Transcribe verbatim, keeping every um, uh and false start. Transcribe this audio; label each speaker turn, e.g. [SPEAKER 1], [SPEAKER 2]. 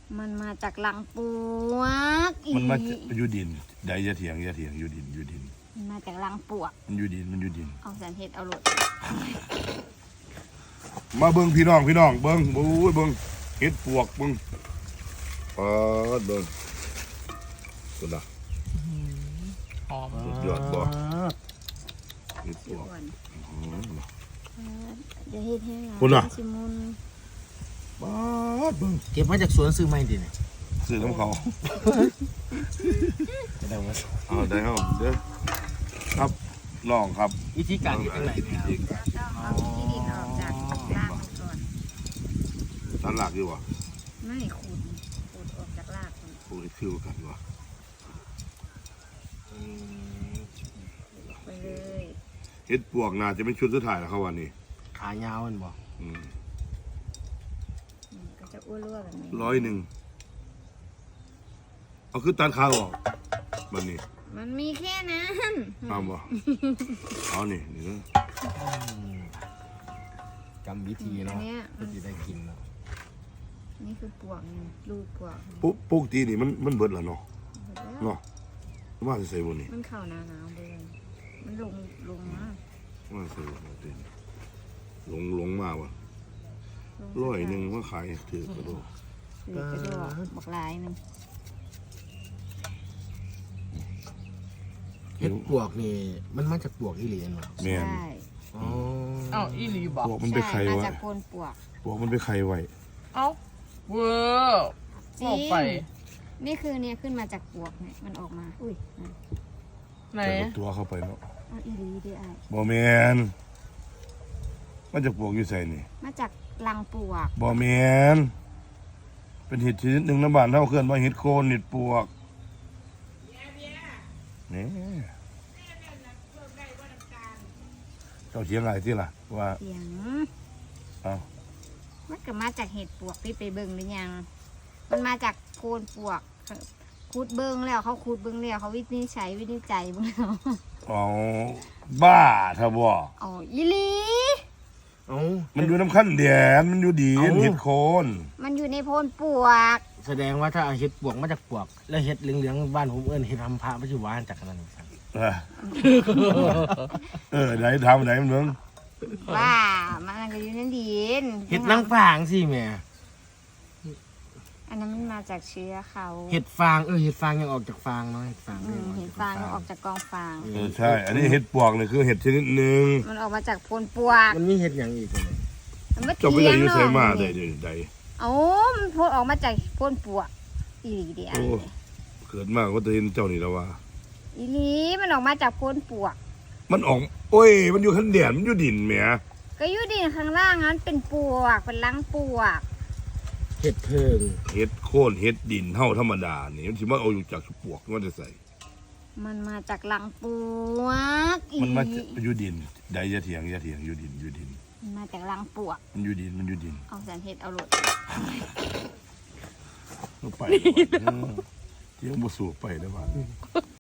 [SPEAKER 1] มันมาจากหลังปวก
[SPEAKER 2] มันมาอยู่ดินใดจะเถียงจะเถียงอยู่ดินอยู่ดิน
[SPEAKER 1] มันมาจากหลังปวก
[SPEAKER 2] มันอยู่ดินมันอยู่ดิน
[SPEAKER 1] เอาสันเฮ็ดเอาหลด
[SPEAKER 2] มาเบิ้งพี่น้องพี่น้องเบิ้งโอ้ยเบิ้งเฮ็ดปวกเบิ้งปาดเบิ้งสุดละ
[SPEAKER 3] หอม
[SPEAKER 2] สุดยอดบ่เฮ็ดปวก
[SPEAKER 1] เดี๋ยวเฮ็ดให้
[SPEAKER 2] คุณน่ะ
[SPEAKER 1] ชิมุน
[SPEAKER 2] ปาดเบิ้ง
[SPEAKER 3] เก็บมาจากสวนซื้อไม่ดิเนี่ย
[SPEAKER 2] ซื้อของเขา
[SPEAKER 3] ได้ไหม
[SPEAKER 2] เอาได้ครับเด้อครับลองครับ
[SPEAKER 3] วิธีการอยู่ตรงไหนเนี่ย
[SPEAKER 1] ต้องเอาที่ดินออกจากรากมันก่อน
[SPEAKER 2] ตัดรากดีกว่า
[SPEAKER 1] ไม่ขูดขูดออกจากรากมัน
[SPEAKER 2] โอ้ยฟิวกันวะ
[SPEAKER 1] ไปเลย
[SPEAKER 2] เฮ็ดปวกน่าจะเป็นชุดสุดท้ายแล้วครับวันนี้
[SPEAKER 3] ขายาวมันบอก
[SPEAKER 1] ก็จะอ้วนๆแบบนี้
[SPEAKER 2] ร้อยหนึ่งเอาคือตัดขาออกแบบนี้
[SPEAKER 1] มันมีแค่นั้น
[SPEAKER 2] ตามบ่เอานี่นี่นะ
[SPEAKER 3] กรรมวิธีเนาะก็จะได้กินเนาะ
[SPEAKER 1] นี่คือปวกลูกปวก
[SPEAKER 2] ปุ๊บปุ๊กตีนี่มันมันเบิดแล้วเนาะเนาะว่าจะใส่บนนี่
[SPEAKER 1] มันเข่าหนาวหนาวเลยมันลงลงมา
[SPEAKER 2] ว่าใส่บนตีลงลงมาวะร้อยหนึ่งว่าขายถือกระโดด
[SPEAKER 1] ถือกระโดดบักลายนึง
[SPEAKER 3] เห็ดปวกนี่มันมาจากปวกอีหลีนวะ
[SPEAKER 2] แม่น
[SPEAKER 3] อ๋ออ้าวอีหลีบอก
[SPEAKER 2] ปวกมันไปไข่ไว้มา
[SPEAKER 1] จากโคนปวก
[SPEAKER 2] ปวกมันไปไข่ไว้
[SPEAKER 3] เอ้าเวอร์
[SPEAKER 1] จริงนี่คือเนี่ยขึ้นมาจากปวกเนี่ยมันออกมาอุ้ย
[SPEAKER 3] ไหน
[SPEAKER 2] ตัวเข้าไปเนาะ
[SPEAKER 1] เอาอีหลีดิไอ้
[SPEAKER 2] บ่แม่นมาจากปวกอยู่ใส่นี่
[SPEAKER 1] มาจากรังปวก
[SPEAKER 2] บ่แม่นเป็นเห็ดชนิดหนึ่งน้ำบานเท่าเคลื่อนว่าเห็ดโคนเห็ดปวกนี่เจ้าเถียงอะไรที่ล่ะว่า
[SPEAKER 1] เถียง
[SPEAKER 2] เอา
[SPEAKER 1] มันก็มาจากเห็ดปวกพี่ไปเบิ่งหรือยังมันมาจากโคนปวกคูดเบิ่งแล้วเขาคูดเบิ่งแล้วเขาวินิจฉัยวินิจฉัยเบิ่งแล้ว
[SPEAKER 2] อ๋อบ้าถ้าบ่
[SPEAKER 1] อ๋ออีหลี
[SPEAKER 2] มันอยู่น้ำขั้นแดนมันอยู่ดีเห็ดโคน
[SPEAKER 1] มันอยู่ในโพนปวก
[SPEAKER 3] แสดงว่าถ้าเอาเห็ดปวกมาจากปวกแล้วเห็ดเหลืองๆบ้านผมเอิ้นเห็ดทำพระปัจจุบันจากนั้น
[SPEAKER 2] เออเออไหนทำไหนมันเมือง
[SPEAKER 1] ว่ามันก็อยู่ในดิน
[SPEAKER 3] เห็ดนางฟางสิแม่
[SPEAKER 1] อันนั้นมันมาจากเชื้อเขา
[SPEAKER 3] เห็ดฟางเออเห็ดฟางยังออกจากฟางเนาะเห็ดฟาง
[SPEAKER 1] เห็ดฟางยังออกจากกองฟาง
[SPEAKER 2] เออใช่อันนี้เห็ดปวกเลยคือเห็ดชนิดหนึ่ง
[SPEAKER 1] มันออกมาจากโพนปวก
[SPEAKER 3] มันมีเห็ดอย่างอีกเลย
[SPEAKER 1] จบไปเลย
[SPEAKER 2] ยูใส่มาได้ได้
[SPEAKER 1] โอ้มันโพนออกมาจากโพนปวกอีหลีเดียว
[SPEAKER 2] เกิดมากก็จะเห็นเจ้านี่แล้วว่า
[SPEAKER 1] อีหลีมันออกมาจากโพนปวก
[SPEAKER 2] มันออกโอ้ยมันอยู่ขั้นแดนมันอยู่ดินแหม
[SPEAKER 1] ก็อยู่ดินข้างล่างนั้นเป็นปวกเป็นลังปวก
[SPEAKER 3] เห็ดเพิง
[SPEAKER 2] เห็ดโค่นเห็ดดินเท่าธรรมดานี่มันถือว่าเอาอยู่จากปวกมันจะใส่
[SPEAKER 1] มันมาจากลังปวก
[SPEAKER 2] มันมาอยู่ดินใดจะเถียงจะเถียงอยู่ดินอยู่ดิน
[SPEAKER 1] มันมาจากลังปวก
[SPEAKER 2] มันอยู่ดินมันอยู่ดิน
[SPEAKER 1] เอาสันเห็ดเอาหลด
[SPEAKER 2] ไปเที่ยวบุสูไปได้บ้าง